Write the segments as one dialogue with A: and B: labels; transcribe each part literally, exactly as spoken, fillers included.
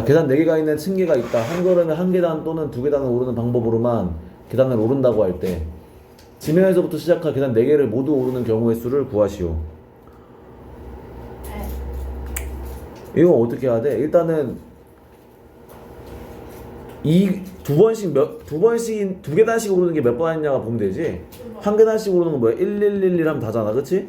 A: 계단 네 개가 있는 층계가 있다. 한 걸음에 한 계단 또는 두 계단을 오르는 방법으로만 계단을 오른다고 할 때 지면에서부터 시작한 계단 네 개를 모두 오르는 경우의 수를 구하시오. 이거 어떻게 해야 돼? 일단은 이 두 번씩 몇 두 번씩 두 계단씩 오르는 게 몇 번 했냐가 보면 되지. 한 계단씩 오르는 건 뭐야? 일, 일, 일, 일 하면 다잖아, 그렇지?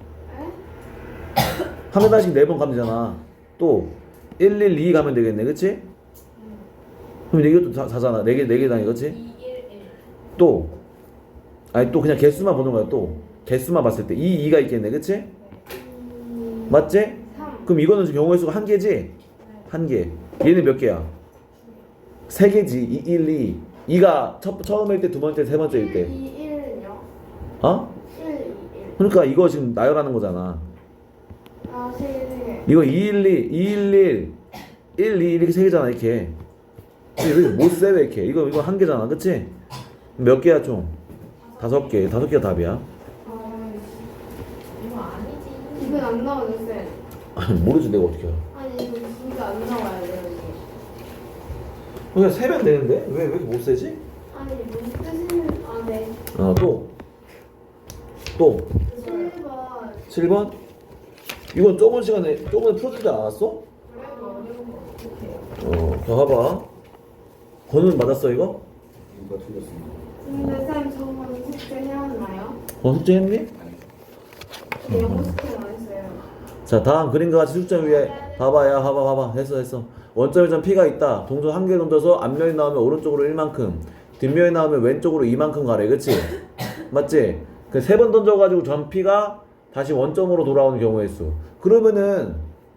A: 한 계단씩 네 번 가면 되잖아. 또 일, 일, 이 가면 되겠네, 그렇지? 그럼 이것도 다, 다잖아. 네 개, 네 계단이, 그렇지?
B: 이, 일, 일.
A: 또 아니 또 그냥 개수만 보는 거야. 또 개수만 봤을 때 이, 이가 있겠네, 그렇지? 맞지? 그럼 이거는 지금 경우의 수가 한 개지? 한 개. 얘는 몇 개야? 세 개지. 이, 일, 이. 이가 첫, 처음일 때, 두 번째, 세 번째일 때.
C: 이, 일은요?
A: 어?
C: 일, 이, 일.
A: 그러니까 이거 지금 나열하는 거잖아.
C: 아, 세 개, 세 개.
A: 이거 이, 일, 이, 이, 일, 일, 일, 이 이렇게 세 개잖아, 이렇게. 못세 왜 이렇게? 이거 이거 한 개잖아, 그치? 몇 개야 총? 다섯 개. 다섯 개가 답이야.
C: 아,
B: 이거 아니지.
C: 이건 안 나오죠, 쌤?
A: 아니 모르지 내가 어떻게 알아.
C: 아니, 이거 진짜 안 나와야 돼요, 이게.
A: 그냥 세면 되는데 왜 왜 이렇게 못 세지?
C: 아니, 무슨 뜻은, 아, 네.
A: 어 또. 또.
C: 칠 번.
A: 칠 번? 이건 저번 시간에 저번에 풀어주지 않았어?
B: 그래도 어려운 거 어떡해요?
A: 어, 자 봐봐. 번은 맞았어 이거?
D: 이거 틀렸습니다.
C: 근데 쌤, 저번 숙제 해왔나요?
A: 어 숙제했니?
C: 저 영어 숙제는 안 했어요.
A: 자 다음 그림과 같이 숙점 위에 봐봐 야 봐봐 봐봐 했어 했어. 원점에 점 P가 있다. 동전 한 개 던져서 앞면이 나오면 오른쪽으로 일만큼, 뒷면이 나오면 왼쪽으로 이만큼 가래, 그치? 맞지? 그 세 번 던져가지고 점 P가 다시 원점으로 돌아오는 경우의 수. 그러면은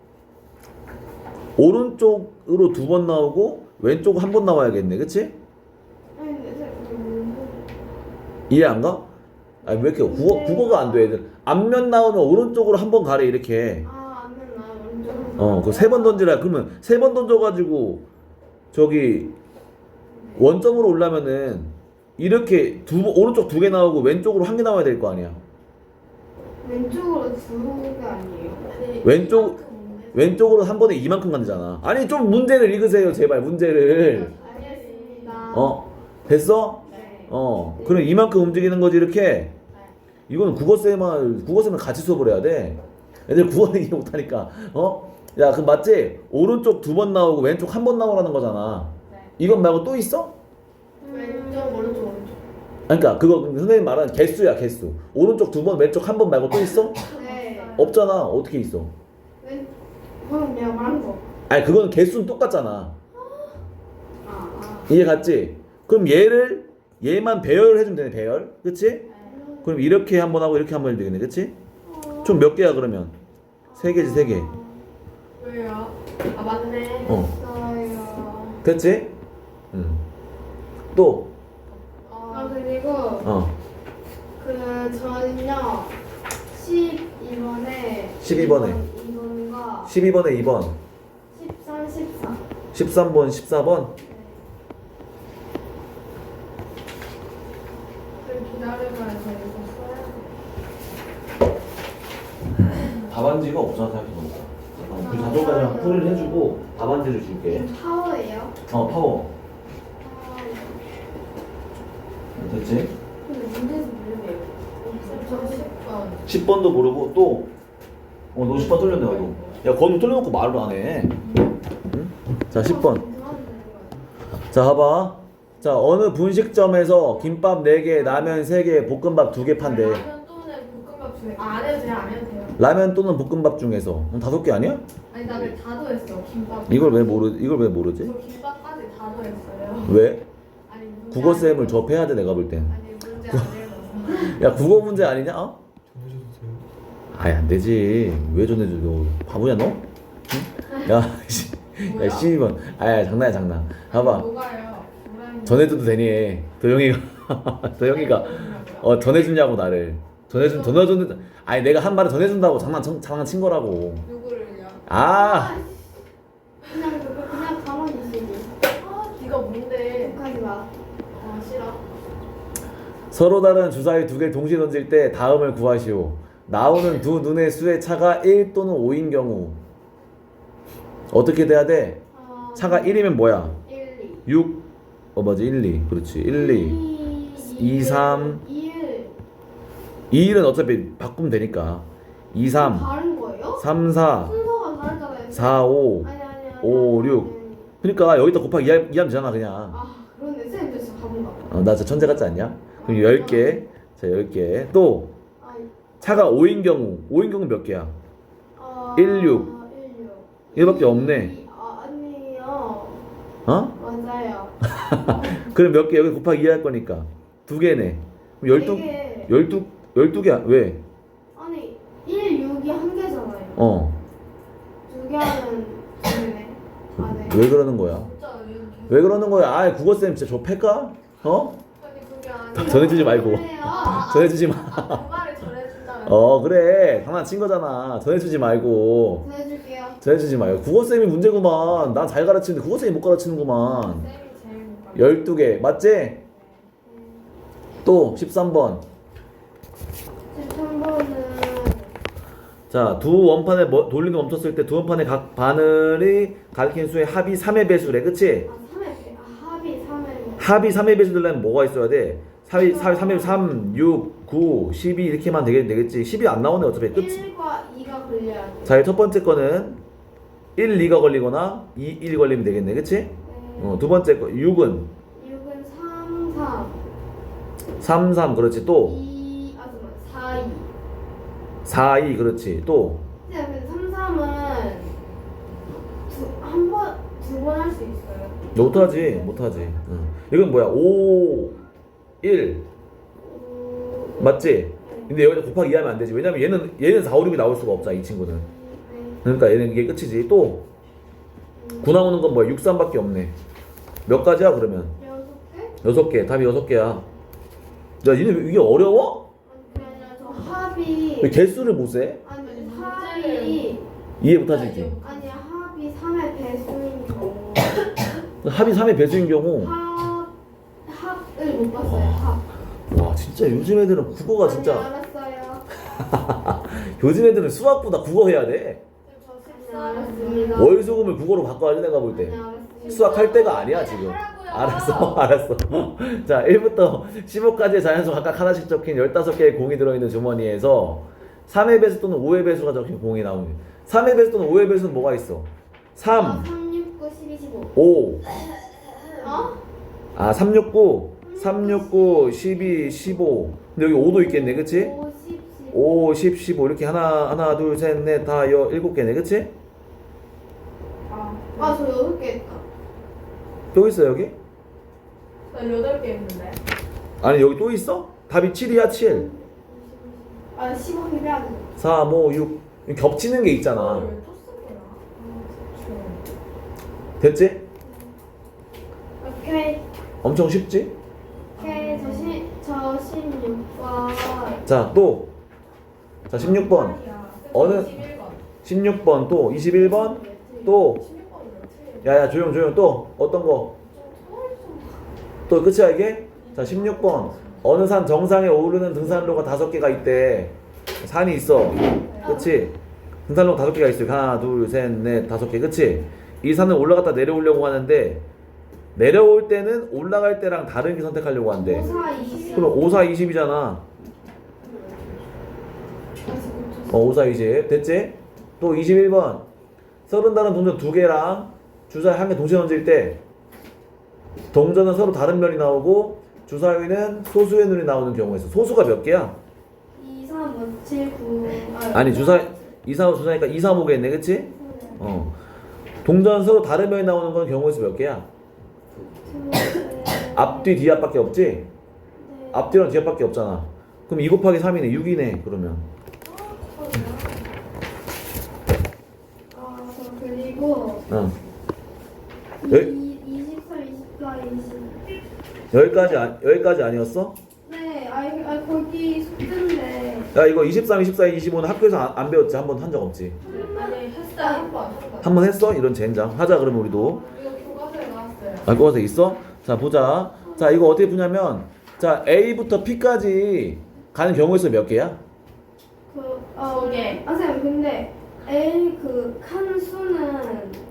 A: 오른쪽으로 두 번 나오고 왼쪽 한 번 나와야겠네, 그치?
C: 아니, 근데 쌤, 음,
A: 이해 안 가? 아니 왜 이렇게 국어, 국어가 안 돼 애들. 앞면 나오면 오른쪽으로 한 번 가래 이렇게.
C: 아, 안 됐나요? 오른쪽으로.
A: 어, 그 세 번 던지라. 그러면 세 번 던져가지고 저기 원점으로 올라면은 이렇게 두 번- 오른쪽 두 개 나오고 왼쪽으로 한 개 나와야 될 거 아니야.
C: 왼쪽으로 두 개 아니에요?
B: 아니,
A: 왼쪽-
B: 이만큼 문제-
A: 왼쪽으로 한 번에 이만큼 간다잖아. 아니 좀 문제를 읽으세요 제발 문제를.
C: 알겠습니다.
A: 어, 됐어?
C: 네.
A: 어, 그럼 이만큼 움직이는 거지 이렇게. 이거는 국어쌤만 국어쌤은 같이 수업을 해야 돼. 애들 국어는 이해 못하니까. 어? 야, 그럼 맞지? 오른쪽 두 번 나오고 왼쪽 한 번 나오라는 거잖아.
B: 네.
A: 이건 말고 또 있어?
B: 왼쪽, 오른쪽, 오른쪽.
A: 그러니까 그거 선생님 말하는 개수야 개수. 오른쪽 두 번 왼쪽 한 번 말고 또 있어?
C: 네.
A: 없잖아. 어떻게 있어?
C: 왼, 방금 내가 말한 거.
A: 아니 그건 개수는 똑같잖아.
C: 아, 아.
A: 이해 갔지? 그럼 얘를 얘만 배열을 해주면 되네. 배열, 그치? 그럼 이렇게 한 번 하고 이렇게 한 번 해도 되겠네, 그치? 총 몇 개야 그러면? 세 개지 세 개.
B: 왜요? 아, 맞네.
A: 어,
C: 됐어요.
A: 됐지? 응. 또,
C: 아,
B: 어,
C: 그리고
A: 어,
C: 그 저는요 십이 번에
A: 십이 번에.
C: 이 번과
A: 십이 번에 이 번,
C: 십삼, 십사.
A: 십삼 번, 십사 번.
B: 좀 기다려봐야 되겠어요.
A: 답안지가 없잖아 생각해보니까. 어, 그 자동화랑 풀이를 해주고 답안지를 줄게.
C: 이거 파워예요?
A: 어, 파워.
C: 아,
A: 됐지?
C: 근데 문제에서 모르네요.
B: 저 십 번.
A: 십 번도 모르고 또, 어, 너 십 번 틀렸네 나도. 야, 건우 틀려놓고 말을 안 해. 응? 자, 십 번. 자, 봐봐. 자, 어느 분식점에서 김밥 네 개, 라면 세 개, 볶음밥 두 개 판대.
B: 라면 또는 볶음밥 중에. 아, 안 해도 돼요, 안 해도 돼요.
A: 라면 또는 볶음밥 중에서. 그럼 다섯 개 아니야?
B: 아니, 나 왜 다 더했어, 김밥.
A: 이걸 왜 모르, 이걸 왜 모르지?
B: 저 김밥까지 다 더했어요.
A: 왜?
B: 아니, 문제
A: 국어쌤을
B: 안
A: 접해야 돼, 내가 볼 땐.
B: 아니, 문제 안 읽어서.
A: 야, 국어 문제 아니냐? 어?
D: 전해주세요.
A: 아이, 안 되지. 왜 전해줘, 너. 바보냐, 너? 응? 야, 씨. 야, 십이 번. 아야, 장난이야, 장난. 봐봐.
B: 뭐가요? 뭐라는
A: 전해줘도 되니. 도영이가, 도영이가, 어, 전해주냐고, 나를. 전해준, 전해준, 아니, 내가 한 말을 전해준다고 장난, 장난친 거라고.
B: 누구를요?
A: 아!
C: 그냥 그거 그냥 가만히 있으지.
B: 아, 네가 뭔데?
C: 욕하지 마.
B: 아, 싫어.
A: 서로 다른 주사위 두 개를 동시에 던질 때 다음을 구하시오. 나오는 두 눈의 수의 차가 일 또는 오인 경우 어떻게 돼야 돼?
C: 아,
A: 차가 일이면 뭐야?
C: 일, 이.
A: 육, 어 맞아 일, 이 그렇지 일, 이 이, 삼.
C: 일.
A: 이, 일은 어차피 바꾸면 되니까 이, 삼,
C: 다른 거예요?
A: 삼, 사,
C: 순서가 다르잖아요.
A: 사, 오
C: 아니 아니 아니.
A: 오,
C: 아니,
A: 육.
C: 아니.
A: 그러니까 여기다 곱하기 이하면 되잖아 그냥.
C: 아 그런데 쌤 진짜 가본가 봐.
A: 어, 나 진짜 천재 같지 않냐? 그럼 열 개. 자 열 개. 또
C: 아니.
A: 차가 오인 경우 오인 경우 몇 개야?
C: 아,
A: 일, 육.
C: 일, 육.
A: 얘밖에 없네.
C: 이, 아 아니에요.
A: 어?
C: 맞아요.
A: 그럼 몇 개? 여기 곱하기 이 할 거니까 두 개네. 그럼 열두
C: 이게
A: 열두 열두 개야. 왜?
C: 아니 일, 육이 한 개잖아요.
A: 어.
C: 두 개 하면 두 개네. 아 네.
A: 왜 그러는 거야?
B: 진짜 왜
A: 왜 그러는 거야? 아, 국어쌤 진짜 저 패까? 어?
B: 아니 그게 아니라
A: 전해주지 말고.
C: 그래요.
A: 전해주지 마.
B: 정말을 전해준다면
A: 어, 그래. 장난친 거잖아. 전해주지 말고.
C: 보내줄게요.
A: 전해주지 마요. 국어쌤이 문제구만. 난 잘 가르치는데 국어쌤이 못 가르치는구만.
B: 쌤이 제일 못 가르쳐.
A: 열두 개. 맞지? 또 십삼 번.
C: 십삼 번은
A: 자, 두 원판에 뭐- 돌리는 멈췄을 때 두 원판의 각 바늘이 가리키는 수의 합이 삼의 배수래. 그치?
C: 아 삼 회. 아 합이 삼 회.
A: 합이 삼의 배수 되려면 뭐가 있어야 돼? 삼이 삼이 삼, 육, 구, 십이 이렇게만 되겠, 되겠지. 십이 안 나오네 어차피. 끝.
C: 일과 이가 걸려야 돼.
A: 자, 첫 번째 거는 일, 이가 걸리거나 이, 일 걸리면 되겠네. 그치?
C: 네.
A: 어, 두 번째 거 육은
C: 육은 삼, 삼.
A: 삼, 삼 그렇지. 또
C: 이, 아 잠깐만. 사, 이.
A: 사, 이 그렇지. 또
C: 네, 근데 삼, 삼은 두, 한 번, 두 번 할 수 있어요.
A: 못하지. 못하지. 응. 이건 뭐야? 오, 일
C: 오,
A: 맞지? 근데 여기다 곱하기 이 하면 안 되지. 왜냐면 얘는 얘는 사, 오, 육이 나올 수가 없잖아. 이 친구는.
C: 네.
A: 그러니까 얘는 이게 끝이지. 또 구 나오는 건 뭐야? 육, 삼밖에 없네. 몇 가지야 그러면?
C: 여섯 개?
A: 여섯 개. 답이 여섯 개야. 야, 니네 이게 어려워?
C: 아니 그게 아니라 저 합이
A: 왜 개수를 못 세?
C: 아니
B: 아니,
C: 합이
A: 이해 못 하지.
C: 아니 합이 삼의 배수인 경우
A: 합이 삼의 배수인 경우.
C: 합 합을 못 봤어요. 합.
A: 와, 진짜 요즘 애들은 국어가
C: 아니,
A: 진짜
C: 알았어요.
A: 요즘 애들은 수학보다 국어 해야 돼.
B: 저
C: 아니,
B: 십삼
C: 알았습니다.
A: 월수금을 국어로 바꿔야지 내가 볼 때.
C: 아니, 알았습니다.
A: 수학할 때가 아니야 지금.
B: 하라고요.
A: 알았어 알았어. 자, 일부터 십오까지의 자연수 각각 하나씩 적힌 열다섯 개의 공이 들어있는 주머니에서 삼의 배수 또는 오의 배수가 적힌 공이 나오는. 삼의 배수 또는 오의 배수는 뭐가 있어?
C: 아,
A: 삼,
C: 삼, 육, 구, 십이, 십오.
A: 오.
C: 어?
A: 아, 삼, 육, 구. 삼, 육, 구, 십이, 십오. 근데 여기 오도 있겠네. 그치?
C: 오, 십, 십오.
A: 오, 십, 십오 이렇게 하나 하나 둘 셋 넷 다 여 일곱 개네. 그치?
B: 아,
C: 아, 저 여섯 개 했다.
A: 또 있어 여기?
B: 나 여덟 개 했는데.
A: 아니 여기 또 있어? 답이 칠이야 칠.
C: 아, 십오 개 빼야 돼.
A: 삼, 오, 육 겹치는 게 있잖아.
B: 왜또 쓴 거야? 아,
A: 됐지?
C: 오케이.
A: 엄청 쉽지?
C: 오케이. 저 시, 저 십육 번.
A: 자, 또. 자, 십육 번.
B: 아니야.
A: 어느-
B: 십일 번.
A: 십육 번 또 이십일 번 또.
B: 십육 번이 왜 틀려?
A: 야야 조용 조용 또 어떤 거? 또 끝이야 이게? 자, 십육 번. 어느 산 정상에 오르는 등산로가 다섯 개가 있대. 산이 있어. 그치? 등산로 다섯 개가 있어. 하나, 둘, 셋, 넷, 다섯 개. 그치? 이 산을 올라갔다 내려오려고 하는데 내려올 때는 올라갈 때랑 다른 게 선택하려고 한대.
C: 오, 사, 이십.
A: 그럼 오, 사, 이십이잖아. 어, 오, 사, 이십. 됐지? 또 이십일 번. 서른 다른 동전 두 개랑 주사위 한 개 동시에 던질 때 동전은 서로 다른 면이 나오고 주사위는 소수의 눈이 나오는 경우에서 소수가 몇 개야?
C: 이, 삼, 오, 칠, 구.
A: 아니 주사위 이, 삼, 오 주사위니까 이, 삼, 오겠네. 그치? 어. 동전 서로 다른 면이 나오는 건 경우에서 몇 개야? 앞뒤 뒤 앞밖에 없지? 앞뒤랑 뒤 앞밖에 없잖아. 그럼 이 곱하기 삼이네. 육이네. 그러면
C: 아, 저 그리고
A: 어. 열-
C: 이, 이십삼, 이십사, 이십.
A: 여기까지 아, 여기까지 아니었어?
C: 네, 아, 아 거기 숙제인데.
A: 야 이거 이십삼, 이십사, 이십오는 학교에서 안, 안 배웠지? 한 번 한 적 없지?
B: 아니 했어요 한 번. 한 번.
A: 한 번 했어? 이런 젠장 하자. 그러면 우리도
B: 이거 교과서에 나왔어요.
A: 알거서 있어? 자 보자. 자 이거 어떻게 푸냐면 자 A부터 P까지 가는 경우에서 몇 개야?
C: 그, 어,
B: 두 개.
C: 아, 선생님, 근데 L 그 칸 수는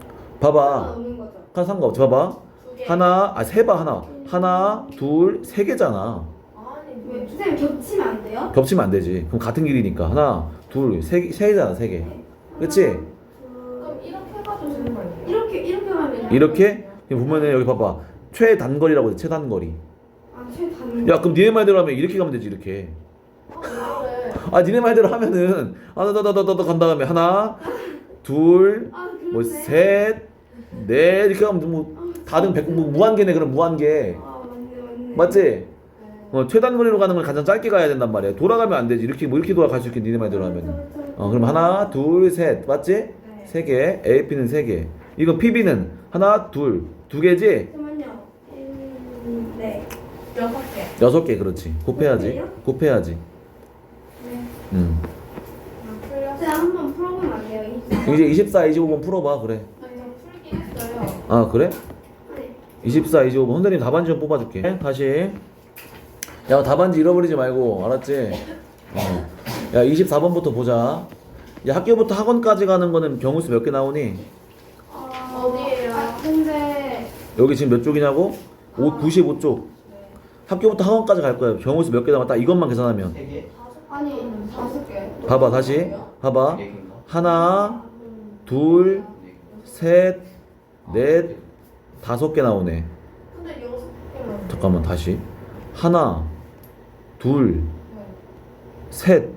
A: 봐봐.
C: 없는 거죠.
A: 한 상관없지. 봐봐.
B: 두 개.
A: 하나, 아, 세 봐, 하나. 하나, 둘, 세 개잖아.
B: 아니
C: 왜
B: 왜?
C: 선생님 겹치면 안 돼요?
A: 겹치면 안 되지. 그럼 같은 길이니까. 하나, 둘, 세, 개- 세 개잖아, 세 개. 그치?
C: 하나, 둘,
B: 그럼 이렇게 해가지고 되는 거 아니에요?
C: 이렇게 이렇게 하면
A: 이렇게? 여기 보면은 여기 봐봐. 최단거리라고 돼, 최단거리.
C: 아 최단.
A: 야, 그럼 니네 말대로 하면 이렇게 가면 되지, 이렇게.
B: 아 이거를
A: 아, 니네 말대로 하면은, 아, 다다다다다 간 다음에 하나, 둘,
C: 아
A: 뭐,
C: 그러네.
A: 셋, 넷, 이렇게 하면 뭐, 다등 백, 뭐, 무한계네, 그럼 무한계.
C: 아 맞네 맞네.
A: 맞지?
B: 네.
A: 어, 최단거리로 가는 건 가장 짧게 가야 된단 말이야. 돌아가면 안 되지. 이렇게 뭐 이렇게 돌아갈 수 있게 니네 말대로 하면. 어, 그럼 하나, 둘, 셋, 맞지?
B: 네.
A: 세 개. 에이피는 세 개. 이거 피비는 하나, 둘, 두 개지?
C: 잠깐만요. 음, 네.
B: 여섯 개.
A: 여섯 개, 그렇지. 곱해야지.
C: 곱해요?
A: 곱해야지.
C: 네.
A: 음.
B: 아 풀렸어.
C: 제가 한번 풀어보면 안 돼요?
A: 이제 이십사, 이십오 번 풀어봐. 그래.
B: 아니 저 풀긴 했어요.
A: 아, 그래?
C: 네.
A: 이십사, 이십오 번. 선생님 답안지 좀 뽑아줄게. 다시. 야, 답안지 잃어버리지 말고. 알았지? 어. 야, 이십사 번부터 보자. 야, 학교부터 학원까지 가는 거는 경우수 몇 개 나오니?
C: 어,
B: 어디예요?
C: 아 근데
A: 여기 지금 몇 쪽이냐고? 오, 구십오 쪽.
B: 네.
A: 학교부터 학원까지 갈 거야. 경우수 몇 개 나와? 딱 이것만 계산하면.
D: 세 개?
C: 아니
B: 다섯 개.
A: 봐봐, 다시. 봐봐.
D: 네 개인가?
A: 하나, 둘, 셋, 넷, 다섯 개 나오네.
B: 근데 여섯 개만.
A: 잠깐만, 다시. 하나, 둘,
B: 네.
A: 셋,
B: 네.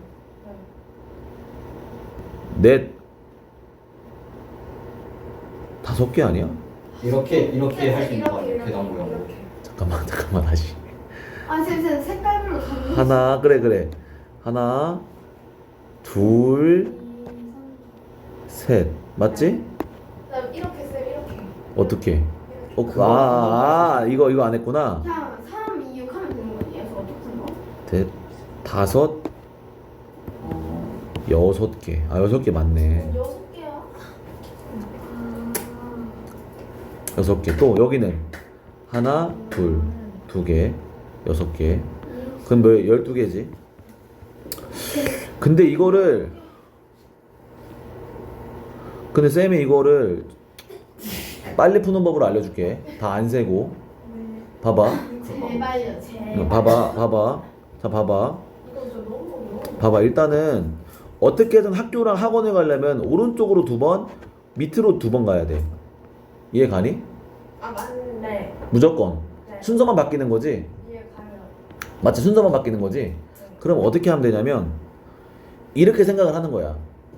A: 넷, 다섯 개 아니야?
D: 이렇게 이렇게 할 수 있는 거 아니에요?
B: 이렇게,
D: 계단 모양.
B: 이렇게.
A: 잠깐만, 잠깐만, 다시.
C: 아 선생님 색깔별로 다른
A: 하나, 그래, 그래. 하나, 둘, 셋. 맞지?
B: 그다음 이렇게 쌤 이렇게.
A: 어떻게?
B: 이렇게.
A: 어, 그- 아, 아, 이거, 이거 안 했구나.
C: 그냥 삼, 이, 육 하면 되는 거 아니에요? 저 어떻게 거?
A: 넷, 다섯, 여섯 개. 아, 여섯 개 맞네.
B: 여섯 개야?
C: 아,
A: 여섯 개. 또 여기는 하나, 둘, 두 개, 여섯 개. 그럼 뭐 열두 개지? 근데 이거를 근데 쌤이 이거를 빨리 푸는 법으로 알려줄게. 다 안 세고. 봐봐.
C: 제발요 제발.
A: 봐봐. 봐봐. 자, 봐봐.
B: 이거 저 너무 너무.
A: 봐봐. 일단은 어떻게든 학교랑 학원에 가려면 오른쪽으로 두 번, 밑으로 두 번 가야 돼. 이해 가니?
B: 아 맞네.
A: 무조건.
B: 네.
A: 순서만 바뀌는 거지.
B: 이해 가요.
A: 맞지? 순서만 바뀌는 거지. 그럼 어떻게 하면 되냐면 이렇게 생각을 하는 거야.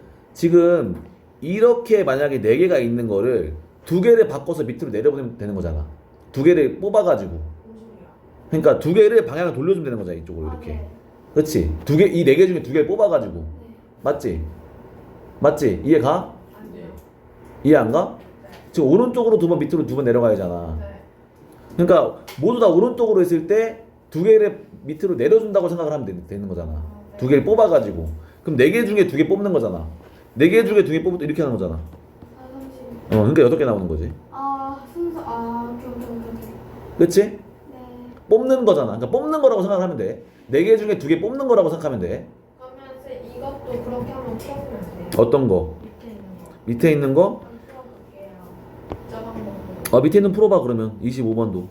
A: 지금 이렇게 만약에 네 개가 있는 거를 두 개를 바꿔서 밑으로 내려보내면 되는 거잖아. 두 개를 뽑아가지고.
B: 무슨 소리야?
A: 그러니까 두 개를 방향을 돌려주면 되는 거잖아. 이쪽으로
C: 아,
A: 이렇게.
C: 네.
A: 그렇지? 두 개, 이 네 개 중에 두 개를 뽑아가지고.
C: 네.
A: 맞지? 맞지? 이해 가?
B: 아니요.
A: 이해 안 가?
B: 네.
A: 지금 오른쪽으로 두 번, 밑으로 두 번 내려가야잖아.
B: 네.
A: 그러니까 모두 다 오른쪽으로 했을 때 두 개를 밑으로 내려준다고 생각을 하면 되, 되는 거잖아. 두 개를 뽑아가지고. 그럼 네 개 중에 두 개 뽑는 거잖아. 네 개 중에 두 개 뽑을 때 이렇게 하는 거잖아.
C: 아 삼십.
A: 어, 그러니까 여덟 개 나오는 거지.
C: 아 순서 아 오케이 오케이 오케이 오케이.
A: 그치?
C: 네.
A: 뽑는 거잖아. 그러니까 뽑는 거라고 생각하면 돼. 네 개 중에 두 개 뽑는 거라고 생각하면 돼.
B: 그러면 쌤 이것도 그렇게 한번 풀어보면 돼요.
A: 어떤 거?
B: 밑에 있는 거.
A: 밑에 있는 거?
B: 한번 풀어볼게요. 저 방법으로.
A: 어, 밑에 있는 풀어봐 그러면. 이십오 번도.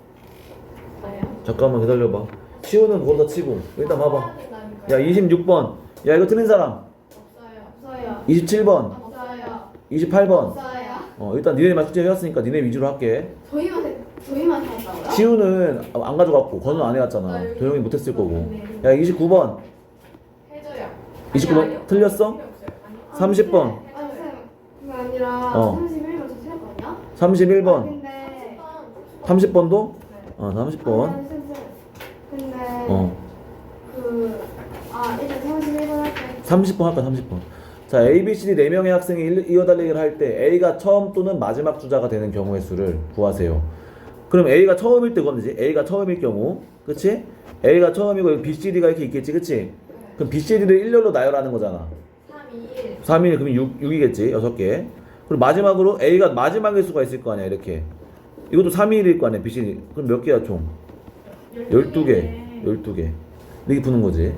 B: 나요?
A: 잠깐만 기다려봐. 치우는 거기다 치고. 일단 봐봐.
B: 해야 된다니까요.
A: 야, 이십육 번. 야, 이거 틀린 사람.
B: 없어요.
C: 없어요.
A: 이십칠 번.
C: 없어요.
A: 이십팔 번.
C: 없어요.
A: 어, 일단 니네만 숙제 해왔으니까 니네 위주로 할게.
C: 저희만 해- 저희만 했다고요?
A: 치우는 안 가져갔고, 건우는 안 해왔잖아. 도영이 못했을 거고. 야, 이십구 번.
B: 해줘요.
A: 이십구 번
B: 아니, 아니요.
A: 틀렸어?
B: 필요 없어요. 아니.
A: 삼십 번.
C: 아 쌤, 그게 아니라
A: 어.
C: 삼십일 번 저 틀렸거든요?
A: 삼십일
C: 아,
A: 번.
C: 근데
A: 삼십 번도?
B: 네.
A: 어, 삼십
C: 아,
A: 번.
C: 아니, 쌤, 쌤. 근데
A: 어.
C: 그 아 일단 삼십일 번 할때
A: 삼십 번 할까, 삼십 번. 자, A, B, C, D 네 명의 학생이 일- 이어달리기를 할 때 A가 처음 또는 마지막 주자가 되는 경우의 수를 구하세요. 그럼 A가 처음일 때 그거지. A가 처음일 경우. 그치? A가 처음이고 B, C, D가 이렇게 있겠지. 그치? 그럼 B, C, D를 일렬로 나열하는 거잖아.
B: 삼, 이, 일.
A: 삼 일 그럼 육, 육이겠지. 여섯 개. 그리고 마지막으로 A가 마지막일 수가 있을 거 아니야. 이렇게. 이것도 삼 일일 거 아니야. B, C, D. 그럼 몇 개야 총? 열두 개. 열두 개. 이렇게 푸는 거지.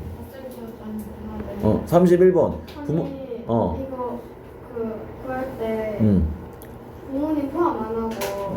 A: 어, 삼십일 번. 부모, 어.
C: 이거 그 구할 때
A: 음.
C: 부모님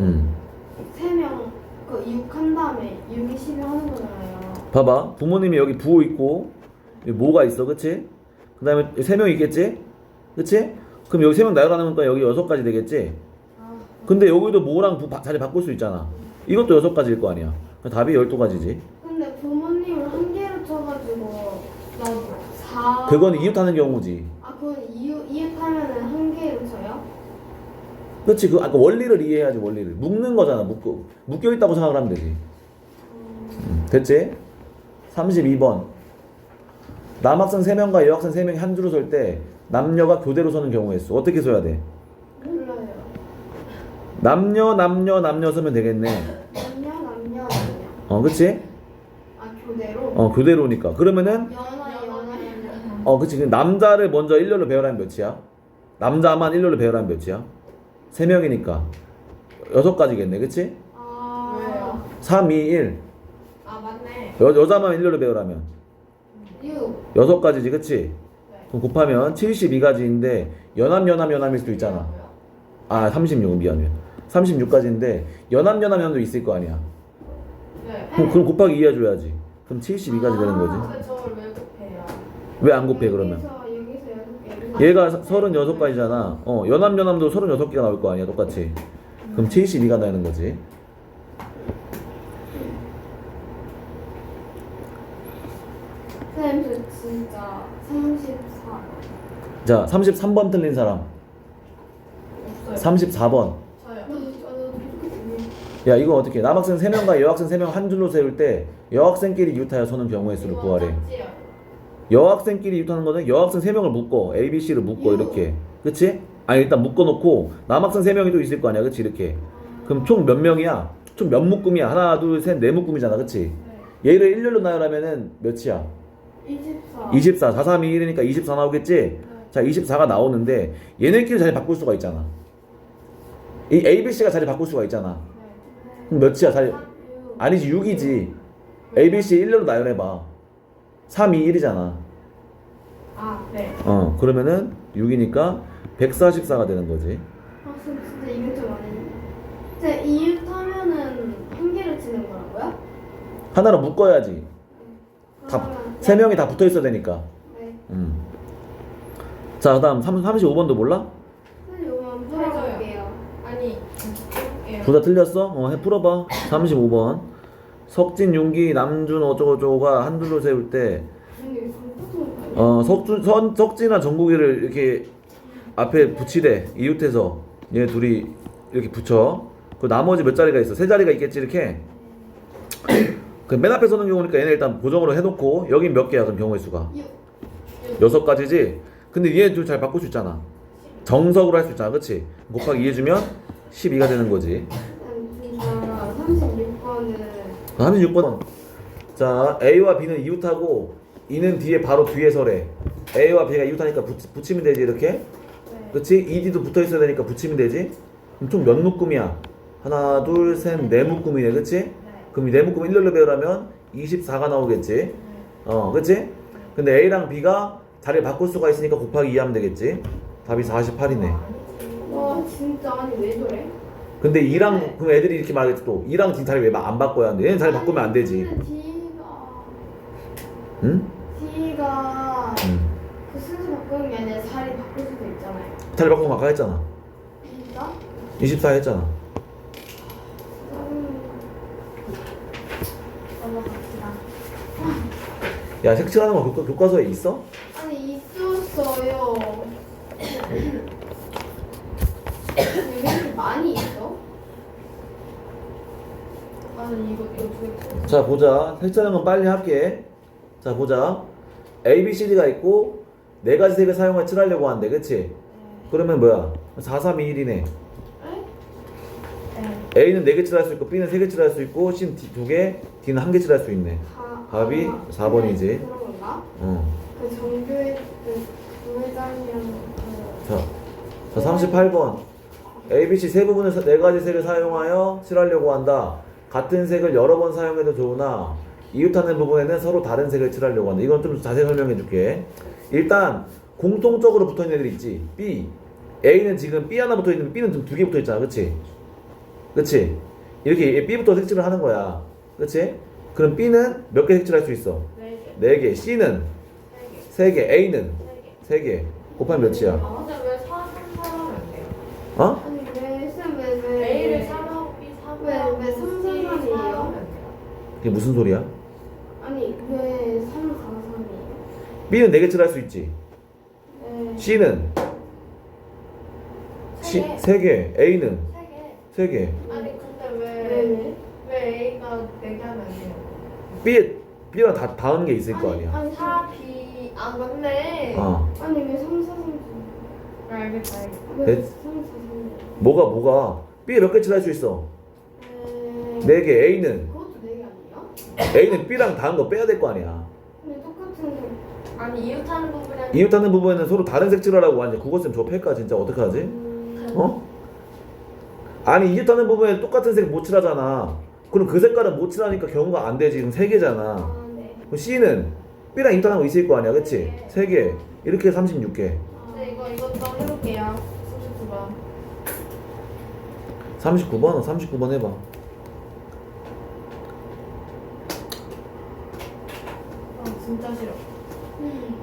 A: 음.
C: 세 명 그 육 한 다음에 육이 십이 하는 거잖아요.
A: 봐봐. 부모님이 여기 부호 있고 여기 모가 있어. 그치? 그 다음에 세 명 있겠지? 그치? 그럼 여기 세 명 나열하는 거니까 여기 여섯 가지 되겠지?
C: 아,
A: 근데 여기도 모랑 부, 바- 자리 바꿀 수 있잖아. 이것도 여섯 가지일 거 아니야. 그럼 답이 열두 가지지.
C: 근데 부모님을 한 개로 쳐가지고 나도 사.
A: 그건 이웃하는 경우지.
C: 아 그건 이웃 이웃하면은 한 개로 쳐요?
A: 그치? 그 아까 원리를 이해해야지. 원리를 묶는 거잖아. 묶어 묶여 있다고 생각을 하면 되지. 음, 됐지? 삼십이 번. 남학생 세 명과 여학생 세 명이 한 줄로 설 때 남녀가 교대로 서는 경우의 수 어떻게 써야 돼?
C: 몰라요.
A: 남녀 남녀 남녀 서면 되겠네.
C: 남녀 남녀 남녀.
A: 어, 그치?
C: 아 교대로.
A: 어, 교대로니까. 그러면은
C: 연하 연하 연하.
A: 어, 그치. 그 남자를 먼저 일렬로 배열하면 몇이야? 남자만 일렬로 배열하면 몇이야? 세 명이니까 여섯 가지겠네. 그치?
C: 아.
B: 왜요?
A: 삼, 이, 일.
B: 아 맞네.
A: 여, 여자만 일렬로 배열하면
C: 육.
A: 여섯 가지지. 그치?
B: 네.
A: 그럼 곱하면 칠십이 가지인데 연합 연합 연합일 수도 있잖아.
B: 뭐야?
A: 아, 삼십육. 미안 미안. 삼십육 가지인데 연합 연합 연합도 있을 거 아니야.
B: 네.
A: 그럼, 그럼 곱하기 이 해줘야지. 그럼 칠십이 가지 되는 거지.
B: 근데 저걸 왜 곱해요?
A: 왜 안 곱해 그러면?
C: 여기서 여기서 여섯 개.
A: 얘가 서른여섯 가지잖아. 어, 연합 연합도 서른여섯 개가 나올 거 아니야. 똑같이. 그럼 칠십이가 나는 거지.
C: 쌤, 저 진짜 삼십사.
A: 자, 삼십삼 번 틀린 사람.
B: 없어요.
A: 삼십사 번.
B: 저요.
C: 저도 그렇게
A: 야, 이거 어떻게 해? 남학생 세 명과 여학생 세 명 한 줄로 세울 때 여학생끼리 이웃하여 서는 경우의 수를 구하래.
B: 짝지요.
A: 여학생끼리 이웃하는 거는 여학생 세 명을 묶어. A, B, C를 묶어. 이렇게. 그치? 아니, 일단 묶어놓고 남학생 세 명이 또 있을 거 아니야. 그치? 이렇게. 그럼 총 몇 명이야? 총 몇 묶음이야? 하나, 둘, 셋, 네 묶음이잖아. 그치?
B: 네.
A: 얘를 일렬로 나열하면은 몇이야?
C: 이십사.
A: 이십사. 사, 삼, 이, 일이니까 이십사 나오겠지? 자, 이십사가 나오는데 얘네끼리 자리 바꿀 수가 있잖아. 이 A, B, C가 자리 바꿀 수가 있잖아. 그럼 몇이야? 자리 아니지, 육이지. A, B, C 일렬로 나열해봐. 삼, 이, 일이잖아.
B: 아 네.
A: 어, 그러면은 육이니까 백사십사가 되는 거지.
C: 아, 쌤 진짜 이게 좀 아니네. 쌤, 이웃하면은 한 개를 치는 거라고요?
A: 하나로 묶어야지. 다,
C: 그러면-
A: 세 명이 다 붙어 있어야 되니까.
C: 네.
A: 음. 자, 그 다음 삼십오 번도 몰라?
C: 쌤, 요거만 풀어볼게요.
B: 아니 해볼게요.
A: 둘 다 틀렸어? 어, 해 풀어봐. 삼십오 번. 석진, 윤기, 남준 어쩌고저쩌고가 한 줄로 세울 때
C: 근데 이거 컴퓨터
A: 어, 석준, 선, 석진이나 정국이를 이렇게 앞에 붙이래. 이웃해서 얘 둘이 이렇게 붙여. 그 나머지 몇 자리가 있어? 세 자리가 있겠지 이렇게. 그 맨 앞에 서는 경우니까 얘네 일단 고정으로 해놓고 여긴 몇 개야 그럼 경우의 수가?
C: 육.
A: 여섯 가지지? 근데 얘 둘 잘 바꿀 수 있잖아. 정석으로 할 수 있잖아. 그치? 곱하기 이 해주면 십이가 되는 거지.
C: 쌤, 진짜 삼십육 번은
A: 삼십육 번. 자, A와 B는 이웃하고 E는 뒤에 바로 뒤에 서래. A와 B가 이웃하니까 붙, 붙이면 되지 이렇게.
C: 네.
A: 그치? 이 D도 붙어 있어야 되니까 붙이면 되지. 그럼 총 몇 묶음이야? 하나, 둘, 셋, 네 묶음이네. 그치?
B: 네.
A: 그럼 이 네 묶음 일렬로 배열하면 이십사가 나오겠지.
B: 네.
A: 어, 그치? 근데 A랑 B가 자리를 바꿀 수가 있으니까 곱하기 이 하면 되겠지. 답이 사십팔이네.
C: 와 진짜 아니 왜 저래?
A: 근데 이랑 그럼 애들이 이렇게 말하겠지 또. 이랑 D 자리 왜 안 바꿔야 하는데? 얘는 자리 바꾸면 안 되지.
C: 근데 D가
A: 응?
C: D가
A: 응.
C: 그 순서 바꾸는 게 아니라 자리 바꿀 수도 있잖아요.
A: 자리 바꾸면 아까 했잖아.
C: 진짜?
A: 이십사 했잖아.
C: 음. 넘어갑시다.
A: 야, 색칠하는 거 교과, 교과서에 있어?
C: 아니 있었어요. 왜 이렇게 많이 있어?
B: 나는 이거 이거 두개
A: 자, 보자. 색칠하는 건 빨리 할게. 자, 보자. A, B, C, D가 있고 네 가지 색을 사용해 칠하려고 하는데, 그치? 그러면 뭐야? 사, 삼, 이, 일이네.
B: 네.
A: A는 네 개 칠할 수 있고 B는 세 개 칠할 수 있고 C는 두 개, D는 한 개 칠할 수 있네.
C: 다,
A: 답이
C: 아,
A: 사 번이지.
C: 네, 그런 건가?
A: 어.
C: 그 정교회 그 부회장이랑 그
A: 자, 자 삼십팔 번. A, B, C 세 부분을 사- 네 가지 색을 사용하여 칠하려고 한다. 같은 색을 여러 번 사용해도 좋으나 이웃하는 부분에는 서로 다른 색을 칠하려고 한다. 이건 좀 자세히 설명해 줄게. 일단 공통적으로 붙어 있는 애들 있지. B. A는 지금 B 하나 붙어 있는데 B는 두 개 붙어 있잖아. 그치? 그치? 이렇게 B부터 색칠을 하는 거야. 그치? 그럼 B는 몇 개 색칠할 수 있어?
B: 네 개.
A: 네 개. C는
B: 세 개.
A: 세 개. A는
B: 세 개.
A: 세 개. 곱하면 몇이야?
B: 아, 근데 왜 사, 삼, 사하면 안 돼요?
A: 어?
C: 아니 왜 쌤, 왜, 왜,
B: A를 삼하고 B 삼하고
C: 왜, 왜
B: C
C: 삼, 삼, 삼이에요?
B: 사하면 돼요.
A: 이게 무슨 소리야?
C: 아니 왜 삼, 사, 삼이에요?
A: B는 네 개 칠할 수 있지.
C: 네.
A: C는
B: 세 개.
A: 세 개. A는
B: 세 개.
A: 세 개.
B: 아니 근데
C: 왜,
B: 왜,
C: 왜?
B: 왜 A가 네 개 하면 안 돼요?
A: B B랑 다 다른 게 있을 거
C: 아니,
A: 아니야.
C: 아니,
B: 사, B, 아 맞네.
A: 어.
C: 아니 왜 삼, 사, 삼,
B: 아, 알겠다, 알겠다.
C: 왜
A: 네.
C: 삼, 사, 삼?
A: 뭐가 뭐가? B 몇 개 칠할 수 있어?
C: 네.
A: 네 개. A는
C: 그것도 네 개 아니에요?
A: A는 B랑 다른 거 빼야 될 거 아니야.
C: 근데 똑같은 색.
B: 아니 이웃하는 부분이랑
A: 이웃하는 부분에는 서로 다른 색칠하라고 하는데 국어쌤 저 팰까 진짜 어떡하지?
C: 음,
A: 어? 아니 이웃하는 부분에 똑같은 색 못 칠하잖아. 그럼 그 색깔은 못 칠하니까 경우가 안 되지. 그럼 세 개잖아.
C: 아, 네.
A: 그럼 C는 B랑 이웃하는 거 있을 거 아니야, 그치? 세 개. 이렇게 해서 삼십육 개.
C: 아,
B: 네, 이거 이거 좀 해볼게요. 삼십구 번.
A: 삼십구 번? 삼십구 번 해봐.
B: 아 진짜 싫어.
C: 음.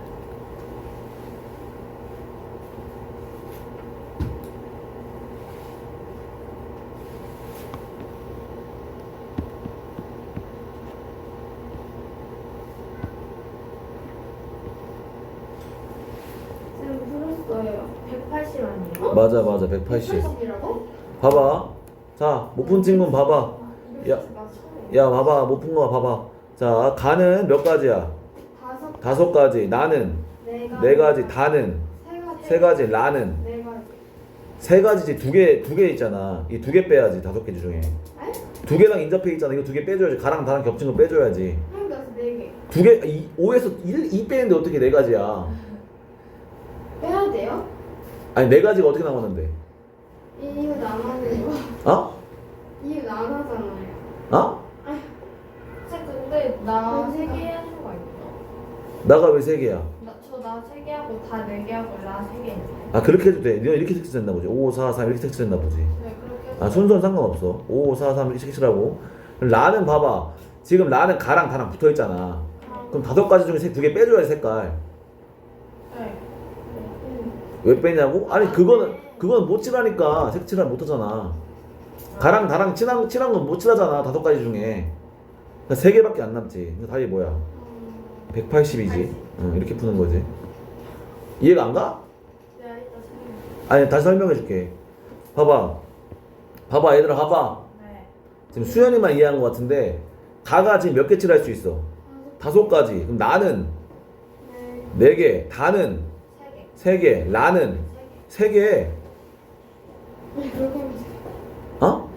C: 쌤 풀었어요.
B: 백팔십 아니에요?
A: 맞아, 맞아. 백팔십.
C: 백팔십이라고?
A: 봐봐. 자, 못 푼 친구는 봐봐.
B: 이렇게
A: 야.
B: 나 처음에.
A: 야, 봐봐. 못 푼 거 봐봐. 자, 가는 몇 가지야?
C: 다섯.
A: 다섯 가지. 나는
C: 네 가지.
A: 네 가지. 다는
C: 세 가지.
A: 세 가지. 라는
C: 네 가지.
A: 세 가지지. 두 개, 두 개 있잖아. 이 두 개 빼야지. 다섯 개 중에.
C: 에?
A: 두 개랑 인접해 있잖아. 이거 두 개 빼줘야지. 가랑 다랑 겹친 거 빼줘야지.
C: 그러니까 네 개.
A: 두 개, 이, 오에서 일, 이 빼는데 어떻게 네 가지야?
C: 빼야 돼요?
A: 아니, 네 가지가 어떻게 나오는데?
C: 이유 나눠는 거.
A: 어?
C: 이유 나눠잖아요.
A: 어?
B: 쌤 근데 나 세 개 하는 거 있어.
A: 나가 왜 세 개야?
B: 저나 세 개 하고 다 네 개 하고 나 세 개 있네.
A: 아, 그렇게 해도 돼. 너 이렇게 색칠했나 보지. 오, 사, 삼 이렇게 색칠했나 보지.
B: 네 그렇게 해서.
A: 아, 순서는 상관없어. 오, 사, 삼 이렇게 색칠하고. 라는 봐봐. 지금 라는 가랑 다랑 붙어 있잖아.
B: 아,
A: 그럼 다섯 가지 중에 세 두 개 빼줘야지, 색깔.
B: 네.
C: 응.
A: 왜 빼냐고? 아니, 그거는, 그거는 못 칠하니까 색칠을 못 하잖아. 가랑 다랑 칠한, 칠한 건 못 칠하잖아, 다섯 가지 중에. 그러니까 세 개밖에 안 남지. 그러니까 답이 뭐야? 백팔십이지. 응, 이렇게 푸는 거지. 이해가 안 가?
B: 네 이따 설명.
A: 아니, 다시 설명해 줄게. 봐봐. 봐봐, 얘들아, 봐봐.
B: 네.
A: 지금 수현이만 이해한 것 같은데, 가가 지금 몇 개 칠할 수 있어? 다섯 가지. 그럼 나는
C: 네.
A: 네 개, 다는
B: 세 개.
A: 세 개, 라는
B: 세 개.
A: 세 개.
C: 그렇게 하면 돼.
A: 어?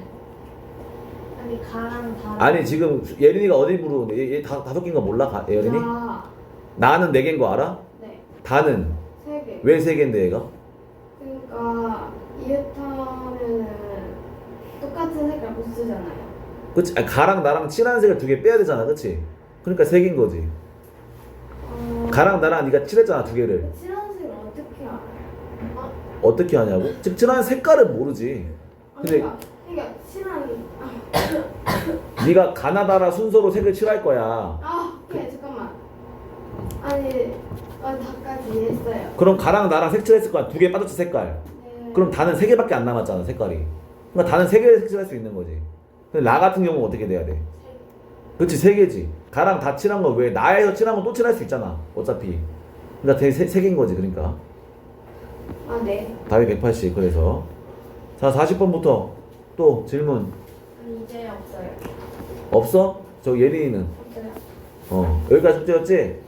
B: 아니 가랑 다.
A: 아니, 지금 예린이가 어디 부르는데? 얘, 얘 다, 다섯 개인 거 몰라? 가, 예린이?
C: 자,
A: 나는 네 개인 거 알아?
C: 네.
A: 다는
C: 세 개.
A: 왜 세 개인데 얘가?
C: 그러니까 이웃하면은 똑같은 색깔 못 쓰잖아요.
A: 그치? 아니, 가랑 나랑 칠한 색을 두 개 빼야 되잖아, 그치? 그러니까 세 개인 거지.
C: 어,
A: 가랑 나랑 네가 칠했잖아, 두 개를.
C: 칠한 색을 어떻게 알아요?
A: 어떻게 하냐고? 즉 칠한 색깔은 모르지.
C: 아,
A: 근데-
C: 그러니까, 그러니까 칠한 아,
A: 네가 가나다라 순서로 색을 칠할 거야.
C: 아, 오케이 잠깐만. 아니, 아, 다까지 이해했어요.
A: 그럼 가랑 나랑 색 칠했을 거야. 두 개 빠졌지, 색깔.
C: 네.
A: 그럼 다는 세 개밖에 안 남았잖아, 색깔이. 그러니까 다는 세 개를 색칠할 수 있는 거지. 근데 나 같은 경우는 어떻게 돼야 돼? 그렇지, 세 개지. 가랑 다 칠한 거 왜 나에서 칠한 건 또 칠할 수 있잖아, 어차피. 그러니까 대- 세, 세 개인 거지, 그러니까.
C: 아, 네.
A: 답이 백팔십. 그래서 자, 사십 번부터 또 질문
B: 아니 이제 없어요.
A: 없어? 저 예린이는
B: 없어요.
A: 어 여기까지 숙제였지?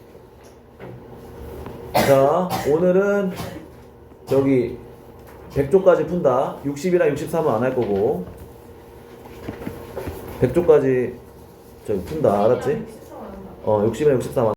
A: 자, 오늘은 저기 백 조까지 푼다. 육십이랑 육십삼은 안 할 거고 백 조까지 저기 푼다. 알았지?
B: 십삼 안 한다.
A: 어, 육십이랑 육십삼